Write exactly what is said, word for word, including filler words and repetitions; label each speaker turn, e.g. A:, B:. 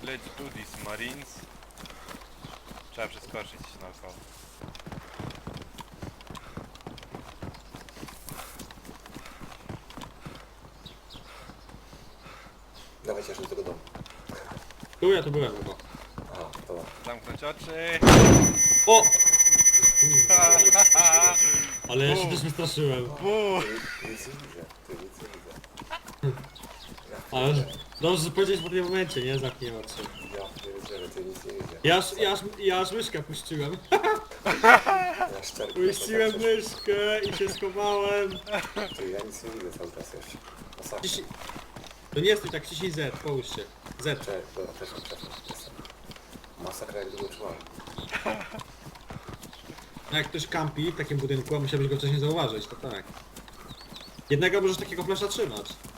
A: Let's do this, Marines. Trzeba przeskoczyć naokoło.
B: Dawajcie aż do tego domu.
C: Tu ja tu byłem chyba.
B: Aha, dobra.
A: Zamknąć oczy.
C: O! Ale ja się też wystraszyłem.
A: Bu!
B: Ty nic nie widzę, ty nic nie widzę.
C: Ale dobrze, że powiedziałeś w tym momencie, nie? Zamknij oczy.
B: Ja pierdzielę, ty nic nie widzę.
C: Ja aż, ja aż, ja aż myszkę puściłem.
B: Ja szczerze.
C: Puściłem myszkę i się schowałem.
B: Ty, ja nic nie widzę cały czas jeszcze. Masakra.
C: Ciśnij... To nie stój tak, ciśnij Z, połóż się. Z.
B: Cześć, dobra, przeszłam, przeszłam. Jestem. Masakra jak długo czułam.
C: No jak ktoś kampi w takim budynku, a musiałbyś go wcześniej zauważyć, to tak. Jednego możesz takiego flesza trzymać.